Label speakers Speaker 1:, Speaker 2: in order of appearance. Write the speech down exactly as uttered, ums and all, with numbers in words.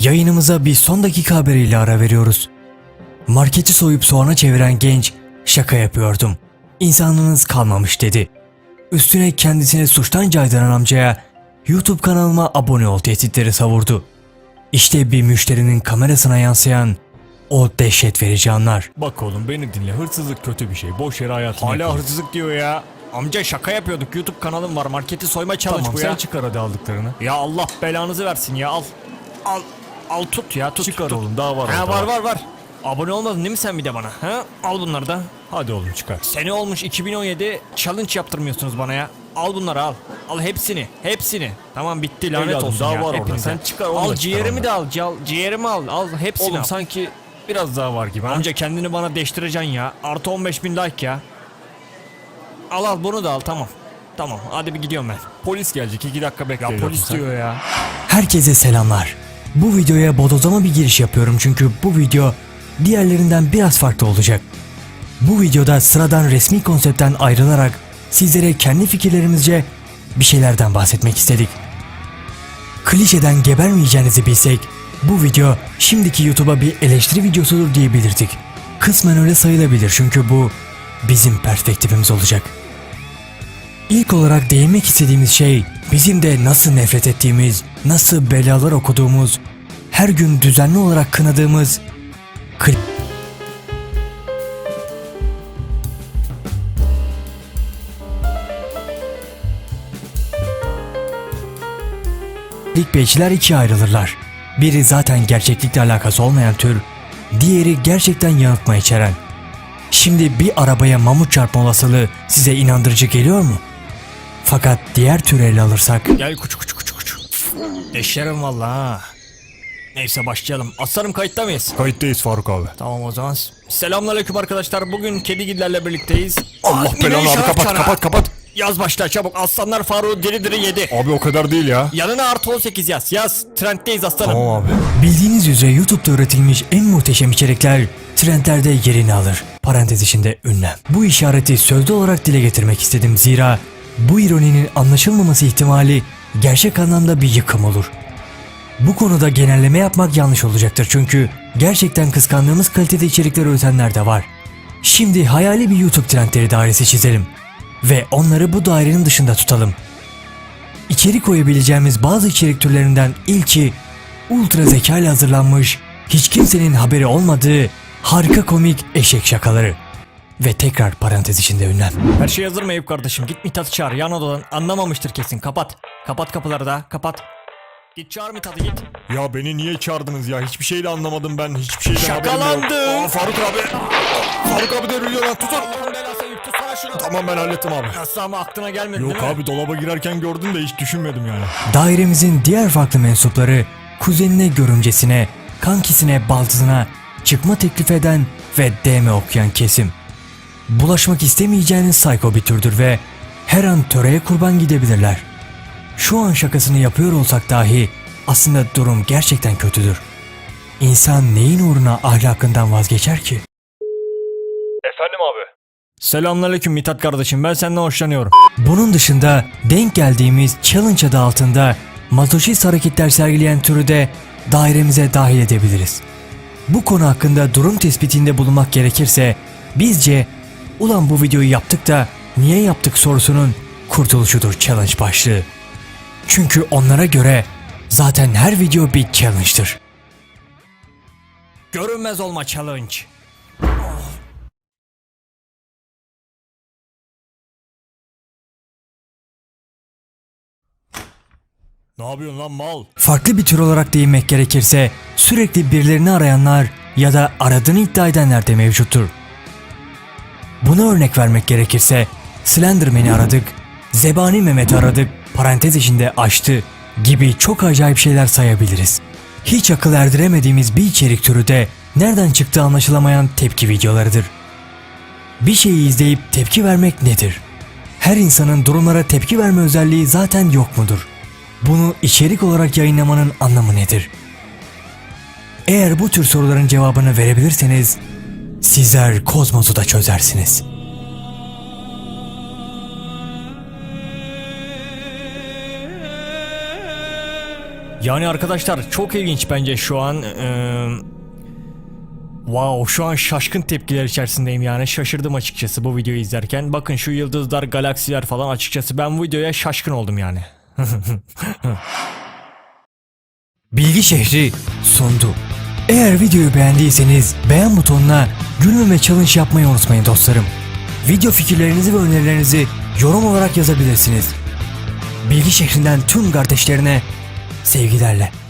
Speaker 1: Yayınımıza bir son dakika haberiyle ara veriyoruz. Marketi soyup soğana çeviren genç, şaka yapıyordum, İnsanlığınız kalmamış dedi. Üstüne kendisini suçtan caydıran amcaya YouTube kanalıma abone ol tehditleri savurdu. İşte bir müşterinin kamerasına yansıyan o dehşet verici anlar.
Speaker 2: Bak oğlum beni dinle, hırsızlık kötü bir şey, boş yere hayatını
Speaker 3: Hala
Speaker 2: yakıyorsun.
Speaker 3: hırsızlık diyor ya. Amca şaka yapıyorduk, YouTube kanalım var, marketi soyma challenge
Speaker 2: Tamam
Speaker 3: bu
Speaker 2: sen
Speaker 3: ya.
Speaker 2: çıkar hadi aldıklarını.
Speaker 3: Ya Allah belanızı versin ya, al. Al. Al tut ya, tut.
Speaker 2: Çıkar
Speaker 3: tut.
Speaker 2: oğlum, daha var
Speaker 3: Ha,
Speaker 2: orada.
Speaker 3: var var var. Abone olmadın değil mi sen bir de bana? Ha? Al bunları da.
Speaker 2: Hadi oğlum çıkar.
Speaker 3: Sene olmuş iki bin on yedi, challenge yaptırmıyorsunuz bana ya. Al bunları al. Al hepsini, hepsini. Tamam bitti, lanet
Speaker 2: Evladım,
Speaker 3: olsun
Speaker 2: daha
Speaker 3: ya
Speaker 2: var orada.
Speaker 3: hepinize.
Speaker 2: Sen çıkar, onu
Speaker 3: Al
Speaker 2: da çıkar
Speaker 3: ciğerimi
Speaker 2: ondan.
Speaker 3: de al, al, ciğerimi al, al hepsini
Speaker 2: Oğlum
Speaker 3: al.
Speaker 2: sanki biraz daha var gibi ha.
Speaker 3: Amca kendini bana deştireceksin ya. Artı on beş bin like ya. Al al bunu da al, tamam. Tamam hadi bir gidiyorum ben.
Speaker 2: Polis gelecek, iki dakika bekle.
Speaker 3: Ya
Speaker 2: evladım
Speaker 3: polis
Speaker 2: sen.
Speaker 3: diyor ya.
Speaker 1: Herkese selamlar. Bu videoya bodozlama bir giriş yapıyorum çünkü bu video diğerlerinden biraz farklı olacak. Bu videoda sıradan resmi konseptten ayrılarak sizlere kendi fikirlerimizce bir şeylerden bahsetmek istedik. Klişeden gebermeyeceğinizi bilsek bu video şimdiki YouTube'a bir eleştiri videosudur diyebilirdik. Kısmen öyle sayılabilir çünkü bu bizim perspektifimiz olacak. İlk olarak değinmek istediğimiz şey bizim de nasıl nefret ettiğimiz, nasıl belalar okuduğumuz, her gün düzenli olarak kınadığımız klip. Clickbaitçiler ikiye ayrılırlar. Biri zaten gerçeklikle alakası olmayan tür, diğeri gerçekten yanıltma içeren. Şimdi bir arabaya mamut çarpma olasılığı size inandırıcı geliyor mu? Fakat diğer tür ele alırsak
Speaker 3: Gel kuçu kuçu kuçu kuçu. Deşerim valla ha. Neyse başlayalım. Aslanım kayıtta mıyız?
Speaker 2: Kayıttayız Faruk abi.
Speaker 3: Tamam o zaman. Selamünaleyküm arkadaşlar. Bugün kedigillerle birlikteyiz.
Speaker 2: Allah
Speaker 3: Aa,
Speaker 2: belanı
Speaker 3: bir
Speaker 2: abi,
Speaker 3: şarap
Speaker 2: kapat
Speaker 3: çana.
Speaker 2: kapat kapat.
Speaker 3: Yaz başla çabuk. Aslanlar Faruk'u diri diri yedi.
Speaker 2: Abi o kadar değil ya.
Speaker 3: Yanına artı on sekiz yaz. Yaz. Trenddeyiz aslanım.
Speaker 2: Tamam abi.
Speaker 1: bildiğiniz üzere YouTube'da üretilmiş en muhteşem içerikler trendlerde yerini alır. Parantez içinde ünlem. Bu işareti sözlü olarak dile getirmek istedim zira bu ironinin anlaşılmaması ihtimali gerçek anlamda bir yıkım olur. Bu konuda genelleme yapmak yanlış olacaktır çünkü gerçekten kıskandığımız kalitede içerikler üretenler de var. Şimdi hayali bir YouTube trendleri dairesi çizelim ve onları bu dairenin dışında tutalım. İçerik koyabileceğimiz bazı içerik türlerinden ilki ultra zeka ile hazırlanmış, hiç kimsenin haberi olmadığı harika komik eşek şakaları. Ve tekrar parantez içinde ünlem.
Speaker 3: Her şey hazır mı Eyüp kardeşim? Git Mithat'ı çağır. Yan odadan. Anlamamıştır kesin. Kapat. Kapat kapıları da. Kapat. Git çağır Mithat'ı git.
Speaker 2: Ya beni niye çağırdınız ya? Hiçbir şey de anlamadım ben. Hiçbir şeyden haberim yok.
Speaker 3: Şakalandın.
Speaker 2: Aa, Faruk abi. Faruk abi devriliyor lan, tutun.
Speaker 3: Allah'ın belası Eyüp tutsana şunu.
Speaker 2: Tamam ben hallettim abi.
Speaker 3: Nasıl ama aklına gelmedi
Speaker 2: Yok
Speaker 3: değil mi?
Speaker 2: abi, dolaba girerken gördüm de hiç düşünmedim yani.
Speaker 1: Dairemizin diğer farklı mensupları kuzenine, görümcesine, kankisine, baldızına çıkma teklif eden ve D M okuyan kesim. Bulaşmak istemeyeceğiniz psycho bir türdür ve her an töreye kurban gidebilirler. Şu an şakasını yapıyor olsak dahi aslında durum gerçekten kötüdür. İnsan neyin uğruna ahlakından vazgeçer ki?
Speaker 2: Efendim abi.
Speaker 3: Selamünaleyküm Mithat kardeşim. Ben senden hoşlanıyorum.
Speaker 1: Bunun dışında denk geldiğimiz challenge adı altında mazoşist hareketler sergileyen türü de dairemize dahil edebiliriz. Bu konu hakkında durum tespitinde bulunmak gerekirse bizce ulan bu videoyu yaptık da niye yaptık sorusunun kurtuluşudur challenge başlığı. Çünkü onlara göre zaten her video bir challenge'dır.
Speaker 3: Görünmez olma challenge.
Speaker 2: Ne yapıyorsun lan mal?
Speaker 1: Farklı bir tür olarak değinmek gerekirse sürekli birilerini arayanlar ya da aradığını iddia edenler de mevcuttur. Buna örnek vermek gerekirse Slenderman'i aradık, Zebani Mehmet'i aradık, parantez içinde açtı gibi çok acayip şeyler sayabiliriz. Hiç akıl erdiremediğimiz bir içerik türü de nereden çıktığı anlaşılamayan tepki videolarıdır. Bir şeyi izleyip tepki vermek nedir? Her insanın durumlara tepki verme özelliği zaten yok mudur? Bunu içerik olarak yayınlamanın anlamı nedir? Eğer bu tür soruların cevabını verebilirseniz sizler kozmosu da çözersiniz.
Speaker 3: Yani arkadaşlar çok ilginç bence şu an. Ee, wow, şu an şaşkın tepkiler içerisindeyim yani. Şaşırdım açıkçası bu videoyu izlerken. Bakın şu yıldızlar, galaksiler falan, açıkçası ben bu videoya şaşkın oldum yani.
Speaker 1: Bilgi Şehri sundu. Eğer videoyu beğendiyseniz beğen butonuna gülmeme challenge yapmayı unutmayın dostlarım. Video fikirlerinizi ve önerilerinizi yorum olarak yazabilirsiniz. Bilgi Şehri'nden tüm kardeşlerine sevgilerle.